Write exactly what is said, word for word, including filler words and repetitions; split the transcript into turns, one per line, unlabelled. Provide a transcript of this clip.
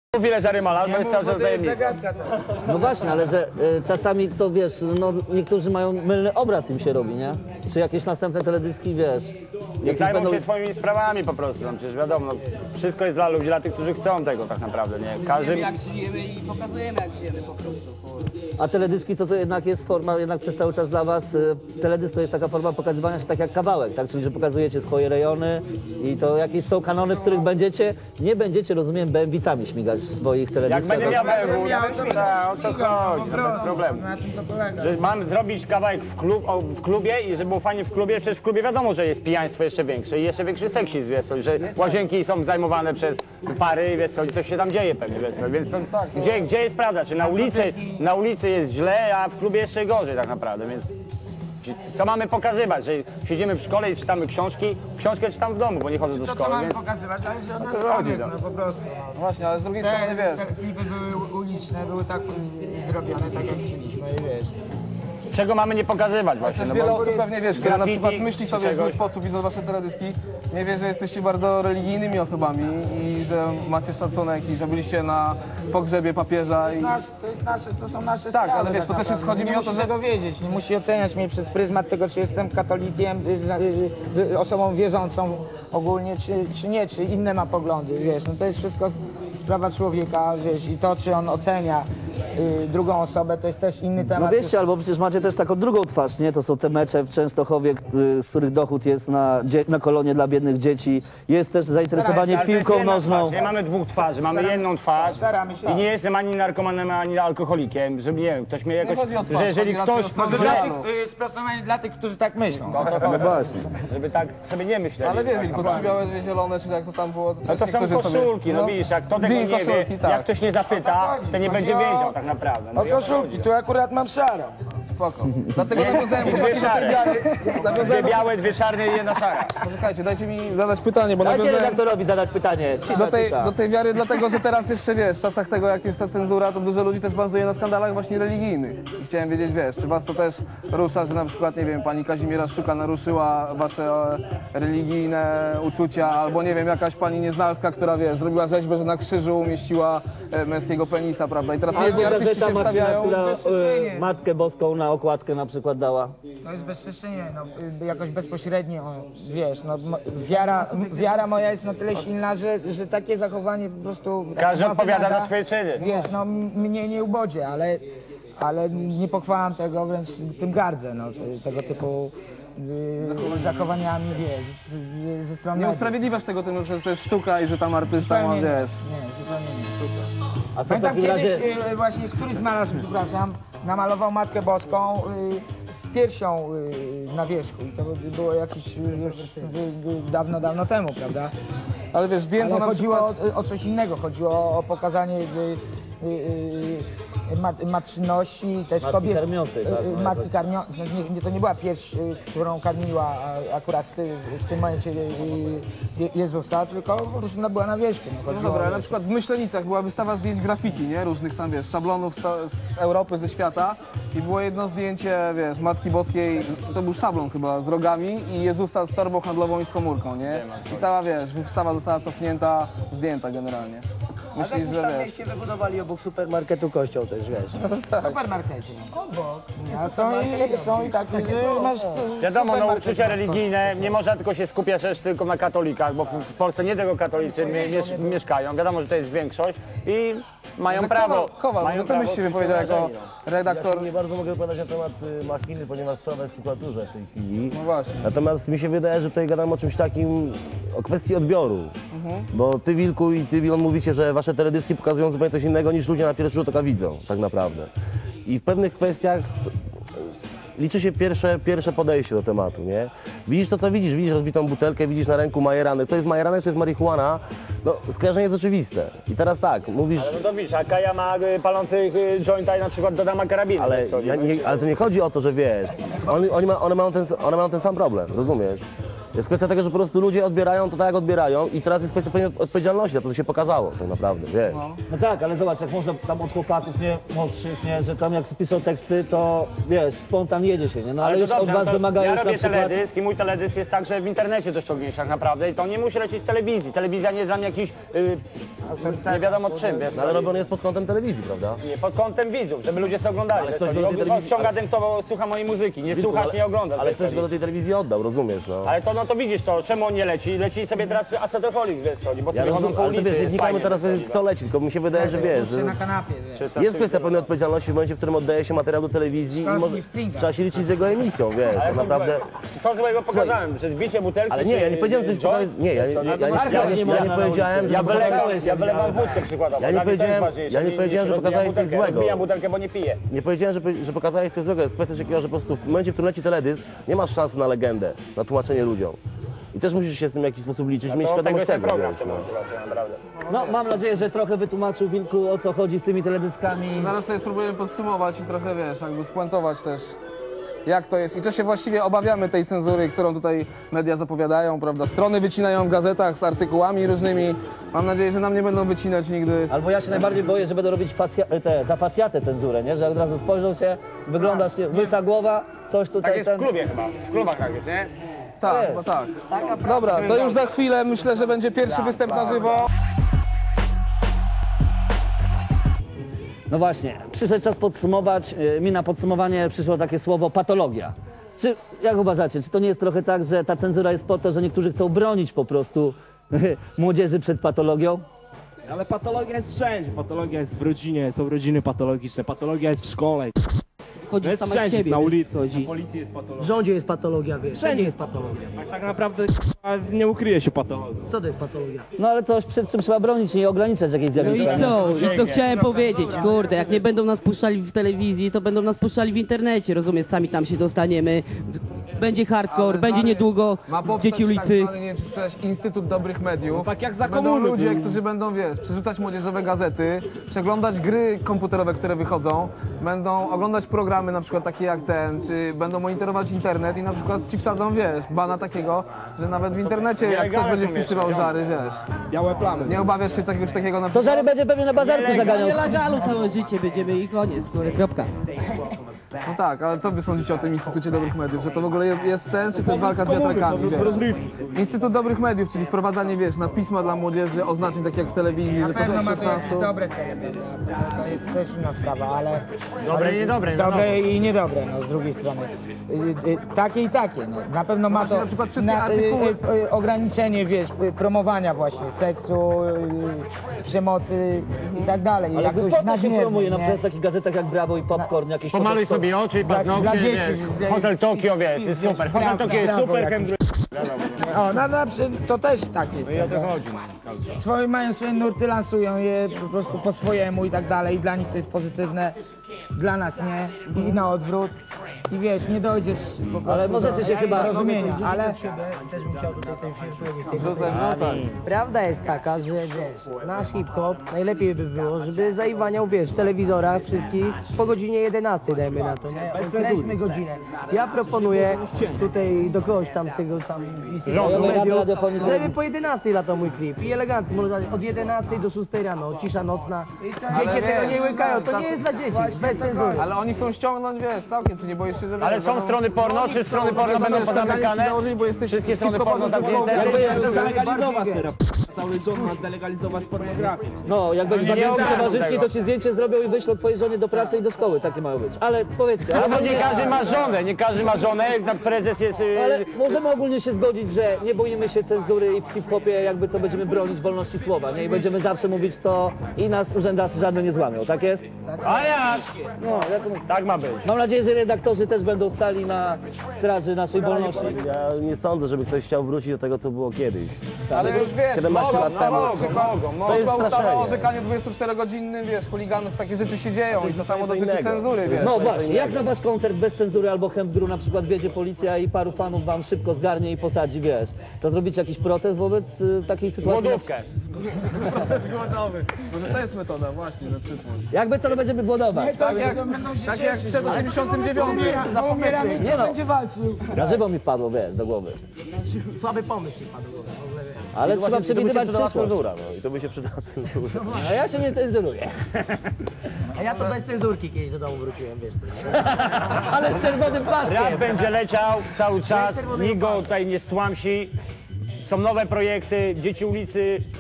Chwilę, że Rymal, albo jest cały czas tajemnica.
No właśnie, ale że y, czasami to wiesz, no niektórzy mają mylny obraz im się robi, nie? Czy jakieś następne teledyski, wiesz?
Niech zajmą będą... się swoimi sprawami po prostu, no, przecież wiadomo, no, wszystko jest dla ludzi, dla tych, którzy chcą tego tak naprawdę, nie? Każdy...
Żyjemy jak żyjemy i pokazujemy jak żyjemy po prostu.
A teledyski to co jednak jest forma, jednak przez cały czas dla was, y, teledysk to jest taka forma pokazywania się tak jak kawałek, tak? Czyli że pokazujecie swoje rejony i to jakieś są kanony, w których będziecie, nie będziecie, rozumiem, B M W-cami śmigać w swoich teledyskach.
Jak będę miał B M W, to o to chodzi, to bez problemu. Że mam zrobić kawałek w, klub, w klubie i żeby było fajnie w klubie, przecież w klubie wiadomo, że jest pijaństwo jeszcze większe i jeszcze większy seksizm, wiesz co, że łazienki są zajmowane przez pary, wiesz co, i coś się tam dzieje pewnie, wiesz co, więc to, gdzie, gdzie jest prawda, czy na ulicy, na ulicy jest źle, a w klubie jeszcze gorzej tak naprawdę, więc co mamy pokazywać, że siedzimy w szkole i czytamy książki, książkę czytam w domu, bo nie chodzę do
To,
szkoły,
co mamy
więc...
pokazywać, ale że od nas
to chodzi,
chodzi,
no.
no po prostu.
No właśnie, ale z drugiej
Te,
strony wiesz,
te klipy były uliczne, były tak mm, zrobione, tak jak chcieliśmy i wiesz.
Czego mamy nie pokazywać właśnie,
też
no
wiele
bo...
osób pewnie wiesz, które na
graffiti
przykład myśli
czy
sobie w zły
czegoś.
sposób, widząc wasze teledyski, nie wie, że jesteście bardzo religijnymi osobami i że macie szacunek i że byliście na pogrzebie papieża i...
Nasz, to, jest nasze, to są nasze
Tak,
sprawy,
ale wiesz, to też jest-
naprawdę.
chodzi
nie
mi o
musi
to, że-
tego wiedzieć, nie musi oceniać mnie przez pryzmat tego, czy jestem katolikiem, y, y, y, osobą wierzącą ogólnie, czy, czy nie, czy inne ma poglądy, wiesz, no to jest wszystko sprawa człowieka, wiesz, i to, czy on ocenia y, drugą osobę, to jest też inny
No
temat.
wiecie, albo przecież macie też taką drugą twarz, nie? To są te mecze w Częstochowie, y, z których dochód jest na, dzie- na kolonie dla biednych dzieci. Jest też zainteresowanie
Ale to jest
piłką
jedna
nożną.
Twarz. Nie mamy dwóch twarzy, mamy jedną twarz
Staramy się.
i nie jestem ani narkomanem, ani alkoholikiem, żeby nie wiem, ktoś mnie jakoś,
chodzi o twarz,
że jeżeli
chodzi raczej
ktoś,
o twarz.
Może
że,
dla
Realu.
tych, y, sprostowanie dla tych, którzy tak myślą.
No właśnie.
żeby tak sobie nie myśleli.
Ale wiesz,
tak
Wilku, trzy białe, dwie zielone, czy jak to tam było, to,
No
też
to są
niektórzy sobie-
koszulki, no widzisz, jak to tego
Dwie
nie wie,
koszulki, tak.
jak ktoś nie zapyta, to nie będzie
Chodzi o-
wiedział tak naprawdę. No
O
i o to
koszulki,
chodzi.
tu akurat mam szarą.
Spoko. Dlatego nawiązałem
I dwie
chłopaki do tej
szare.
wiary.
Dwie
Nawiązałem do...
białe, dwie czarne i jedna szara.
Poczekajcie, dajcie mi zadać pytanie, bo
Dajcie
nawiązałem...
redaktorowi zadać pytanie. Cisza,
Do tej,
cisza.
do tej wiary, dlatego że teraz jeszcze wiesz, w czasach tego jak jest ta cenzura, to dużo ludzi też bazuje na skandalach właśnie religijnych. I chciałem wiedzieć, wiesz, czy was to też rusza, że na przykład, nie wiem, pani Kazimiera Szczuka naruszyła wasze e, religijne uczucia, albo nie wiem, jakaś pani Nieznalska, która wiesz, zrobiła rzeźbę, że na krzyżu umieściła e, męskiego penisa, prawda? I teraz
Albo
jedni artyści
gazeta
się
Marcina,
wstawiają...
która
bezstrzeżenie.
y, Matkę Boską na okładkę na przykład dała.
To jest bezczeszczenie, no, y, jakoś bezpośrednio, wiesz, no, m- wiara, m- wiara moja jest na tyle silna, że, że takie zachowanie po prostu...
Każdy
taka
odpowiada
wymada,
za swoje czyny.
Wiesz, no m- mnie nie ubodzie, ale, ale nie pochwalam tego, wręcz tym gardzę, no, te- tego typu y, zachowaniami, wiesz, z, ze strony...
Nie
mediów.
usprawiedliwiasz tego tym, że to jest sztuka i że tam artysta ma,
Zupełnie nie,
wiesz...
nie, zupełnie nie sztuka.
A co w
Pamiętam
takim
kiedyś
razie...
y, właśnie któryś z malarzy, przepraszam, namalował Matkę Boską y, z piersią y, na wierzchu i to by- było jakieś y, już y, y, dawno, dawno temu, prawda?
Ale wiesz, zdjęto
Ale
na
chodziło
przykład...
o, o coś innego, chodziło o, o pokazanie y, y, y, mat, matczyności, też
Matki
kobiet.
karmiącej, tak,
y, y,
no
matki
jakoś.
karmiącej, nie, nie, to nie była pierś, y, którą karmiła a, akurat w, ty, w tym momencie y, y, Jezusa, tylko po prostu ona była na wierzchu. No,
No
chodziło
dobra,
o-
ale na przykład w Myślenicach była wystawa zdjęć graffiti, nie? Różnych tam, wiesz, szablonów z, z Europy, ze świata i było jedno zdjęcie, wiesz, Matki Boskiej, to był szablon chyba, z rogami i Jezusa z torbą handlową i z komórką, nie? I cała, wiesz, wystawa została cofnięta, zdjęta generalnie. Myślisz, że wiesz...
się wybudowali obok supermarketu kościoł też, wiesz.
W supermarkecie. Obok. A są i, są i takie, że już masz
Wiadomo, no
supermarket
uczucia
na
religijne, nie można tylko się skupiać też tylko na katolikach, bo w w Polsce nie tylko katolicy mie miesz mieszkają. Wiadomo, że to jest większość i mają
Że
prawo.
Kowal, Kowal,
mają
może ty
prawo
byś się
czuć
wypowiedział jako
obrażeni, no.
redaktor.
Ja się nie bardzo mogę wypowiadać na temat y, machiny, ponieważ sprawa jest w prokuraturze w tej chwili.
No właśnie.
Natomiast mi się wydaje, że tutaj gadamy o czymś takim, o kwestii odbioru. Bo ty, Wilku, i ty, Wilon, mówicie, że wasze teledyski pokazują zupełnie coś innego niż ludzie na pierwszy rzut oka widzą, tak naprawdę. I w pewnych kwestiach to, liczy się pierwsze, pierwsze podejście do tematu, nie? Widzisz to, co widzisz, widzisz rozbitą butelkę, widzisz na ręku majeranek. To jest majeranek, to jest marihuana. No, skojarzenie jest oczywiste. I teraz tak, mówisz...
Ale no to widzisz, a Kaja ma y, palących y, jointa i na przykład dodama karabinu.
Ale,
więc co,
ja
no
nie,
i-
ale to nie chodzi o to, że wiesz, oni, oni ma, one, mają ten, one mają ten sam problem, rozumiesz? Jest kwestia tego, że po prostu ludzie odbierają to tak, jak odbierają i teraz jest kwestia pewnej odpowiedzialności za to, co się pokazało tak naprawdę, wiesz.
No tak, ale zobacz, jak można tam od chłopaków, nie, młodszych, nie, że tam jak piszą teksty, to wiesz, spontan jedzie się, nie? No ale,
to
już
dobrze,
od
no
was
to
wymagają
ja
już na
robię
przykład...
teledysk i mój teledysk jest także w internecie do ściągnięcia tak naprawdę i to nie musi lecieć w telewizji. Telewizja nie jest dla mnie jakiś, yy, nie wiadomo czym, wiesz,
No, ale robiony jest pod kątem telewizji, prawda?
nie, pod kątem widzów, żeby ludzie sobie oglądali.
Ale
wiesz,
ktoś
co,
do tej
nie
telewizji-
ściąga ten, kto słucha mojej muzyki, nie słuchasz,
ale-
nie oglądasz.
Ale
wiesz,
ktoś
co,
go do tej telewizji oddał, rozumiesz, no.
ale to, no to widzisz to, czemu on nie leci? Leci sobie teraz Asetoholik, wiesz co, bo
Ja
sobie chodzą
rozumiem,
po
ale to
ulicy,
wiesz, nie
jest
wnikajmy
fajnie,
teraz,
wiesz co,
kto leci, tylko mi się wydaje, że wiesz,
Czy
że
na kanapie, wiesz.
czy co,
jest
czy-
kwestia pewnej odpowiedzialności w momencie, w którym oddaje się materiał do telewizji i
Szkolski
może
w stringach.
trzeba się liczyć z jego emisją, wiesz,
Ale
tak naprawdę...
Co złego pokazałem, że zbicie butelki
Ale nie, ja nie
czy-
powiedziałem, że coś
joint?
pokazać- nie, ja, ja, ja, ja,
to
ja,
marka
ja,
nie
nie- ja
można
nie
na
powiedziałem, że
Ja wylewam,
Pokazałeś,
ja
ja
wylewam
widziałem.
wódkę przykładowo.
Ja nie
Dla mnie to jest
powiedziałem-
ważniejsze
ja nie
niż
powiedziałem, że
rozbijam
pokazałeś coś
butelkę.
złego.
Rozbijam butelkę, bo nie piję.
Nie powiedziałem, że, że pokazałeś coś złego, jest kwestia takiego, że po prostu w momencie, w którym leci teledysk, nie masz szansy na legendę, na tłumaczenie ludziom. I też musisz się z tym w jakiś sposób liczyć, mieć
To tego
świadomość
jest ten
tego,
program w
wiesz,
tym
no.
momencie właśnie, naprawdę.
No mam nadzieję, że trochę wytłumaczył Wilku, o co chodzi z tymi teledyskami.
Zaraz sobie spróbujemy podsumować i trochę, wiesz, jakby spuentować też, jak to jest i czy się właściwie obawiamy tej cenzury, którą tutaj media zapowiadają, prawda? Strony wycinają w gazetach z artykułami różnymi. Mam nadzieję, że nam nie będą wycinać nigdy.
Albo ja się najbardziej boję, że będą robić facja- te, za facjatę cenzurę, nie? Że od razu spojrzą cię, wyglądasz, nie, łysa głowa, coś tutaj...
Tak jest w
ten-
klubie chyba, w klubach tak jest, nie?
Tak,
jest.
no tak. Dobra, to już za chwilę myślę, że będzie pierwszy występ na żywo.
No właśnie, przyszedł czas podsumować. Yy, Mi na podsumowanie przyszło takie słowo patologia. Czy, jak uważacie, czy to nie jest trochę tak, że ta cenzura jest po to, że niektórzy chcą bronić po prostu młodzieży przed patologią?
Ale patologia jest wszędzie. Patologia jest w rodzinie, są rodziny patologiczne, patologia jest w szkole.
Chodzi
To jest
sama z
wszędzie,
siebie,
na
wiesz,
ulicy,
chodzi.
na policji jest patologia.
W rządzie jest patologia, wiesz, wszędzie jest patologia.
Tak, tak naprawdę k***a, nie ukryje się patologia.
Co to jest patologia?
No ale coś, przed czym trzeba bronić, nie ograniczać jakieś
No
zjawiska.
i
nie?
co? I co chciałem powiedzieć, kurde, jak nie będą nas puszczali w telewizji, to będą nas puszczali w internecie, rozumiesz, sami tam się dostaniemy. Będzie hardcore,
Ale
będzie
stary,
niedługo
Ma powstać
dzieci ulicy.
Tak zwany, nie wiem, czy słyszałeś, Instytut Dobrych Mediów.
No tak jak za
Będą
komuny
ludzie,
było.
którzy będą, wiesz, przerzucać młodzieżowe gazety, przeglądać gry komputerowe, które wychodzą, będą oglądać programy na przykład takie jak ten, czy będą monitorować internet i na przykład ci wsadzą, wiesz, bana takiego, że nawet w internecie jak ktoś
nielegalne
będzie
są
wpisywał
jeszcze,
żary, wiesz.
Białe plamy.
Nie obawiasz się czegoś takiego na
To
przykład?
żary będzie pewnie na bazarku zaganiał.
Nie legalu całe życie będziemy i koniec, kurde, kropka.
No tak, ale co wy sądzicie o tym Instytucie Dobrych Mediów? Że to w ogóle jest, jest sens, czy to jest walka z wiatrakami, wiesz? Instytut Dobrych Mediów, czyli wprowadzanie, wiesz, na pisma dla młodzieży, oznaczeń tak jak w telewizji,
Na
że to
pewno
jest
ma to jakieś
szesnastu.
dobre cele, to jest też inna sprawa, ale...
Dobre i niedobre, no
Dobre i niedobre, no z drugiej strony. Y, y, Takie i takie, no. Na pewno ma
właśnie
to
na przykład wszystkie
y,
artykuły-
y, y, ograniczenie, wiesz, y, promowania właśnie seksu, y, przemocy i tak dalej.
Ale
jakoś
po to się
nadmiernie,
promuje, na
nie?
przykład w takich gazetach jak Brawo i Popcorn, jakieś...
Pomaluj
to-
sobie oczy,
Dla- dla
paznokcie,
dzieci,
wiesz,
dla-
Hotel Tokio, wiesz, jest
wiesz,
super. Hotel
brawo,
Tokio jest
brawo
super,
jakieś.
chemdru...
O, no, no, przy- to też tak jest.
I o to
prawda?
chodzi, no, cały czas.
Swoje, mają swoje nurty, lansują je po prostu po swojemu i tak dalej. I dla nich to jest pozytywne, dla nas nie. I na odwrót. I wiesz, nie dojdziesz po prostu
Ale możecie się
do
chyba-
zrozumienia, ale... Też bym chciał tutaj coś powiedzieć.
Wrzucaj, wrzucaj.
Prawda jest taka, że wiesz, nasz hip-hop najlepiej by było, żeby zaiwaniał, wiesz, w telewizorach wszystkich po godzinie jedenastej, dajmy na to, nie? Określmy godzinę. Ja proponuję tutaj do kogoś tam z tego tam
Rządu,
mediów,
Rady Radiofonii i
żeby
Telewizji.
po jedenastej latał mój klip i elegancko, można od jedenastej do szóstej rano, cisza nocna. Dzieci tego
wiesz,
nie łykają, to nie jest dla dzieci, bez cenzury.
Ale oni chcą ściągnąć, wiesz, całkiem, czy nie boisz się, że...
Ale
wiesz,
są
będą-
strony porno, czy strony porno będą pozamykane?
Założyć, bo jesteś
Wszystkie strony
hip-hopowym
porno
zespołem.
zamknięte?
Jakby jest-
Delegalizować teraz. Cały rząd ma delegalizować pornografię.
No, jak będzie
nie
badnięty
ogarną
towarzyski,
tego.
to ci zdjęcie zrobią i wyślą twojej żonie do pracy i do szkoły. Takie mają być. Ale powiedzcie,
Ale
ale,
bo nie każdy ma żonę, nie każdy ma żonę, jak na prezes jest... y,
ale możemy ogólnie się zgodzić, że nie boimy się cenzury i w hip-hopie jakby co będziemy bronić wolności słowa, nie? I będziemy zawsze mówić to i nas urzędasy żadne nie złamią, tak jest?
A jak?
No, jak...
Tak ma być.
Mam nadzieję, że redaktorzy też będą stali na straży naszej wolności.
Ja nie sądzę, żeby ktoś chciał wrócić do tego, co było kiedyś.
Ale już wiesz,
Kiedy ma się
Mogą,
lat
no,
temu.
mogą, mogą.
To jest
Poszła ustawa o
straszenie.
orzekaniu dwudziestoczterogodzinnym, wiesz, chuliganów, takie rzeczy się dzieją i to samo
co
dotyczy
innego.
cenzury, wiesz.
No właśnie, jak na wasz koncert bez cenzury albo chętgru na przykład wiedzie policja i paru fanów wam szybko zgarnie i posadzi, wiesz, to zrobicie jakiś protest wobec y, takiej sytuacji?
Głodówkę.
Może to jest metoda właśnie na przyszłość.
Jakby co, to będziemy głodować.
Tak jak, tak jak przed osiemdziesiątym dziewiątym.
Nie no, na żywo mi wpadło, wiesz, do głowy.
Słaby pomysł się padł.
Ale
To
trzeba
właśnie- to by się
przewidywać
przydała
przyszłość.
cenzura, no i to by się przydała cenzura.
A ja się nie cenzuruję.
A ja to bez cenzurki kiedyś do domu wróciłem, wiesz co.
Ale z czerwonym paskiem.
Rap będzie leciał cały czas, nikt go tutaj nie stłamsi. Są nowe projekty, dzieci ulicy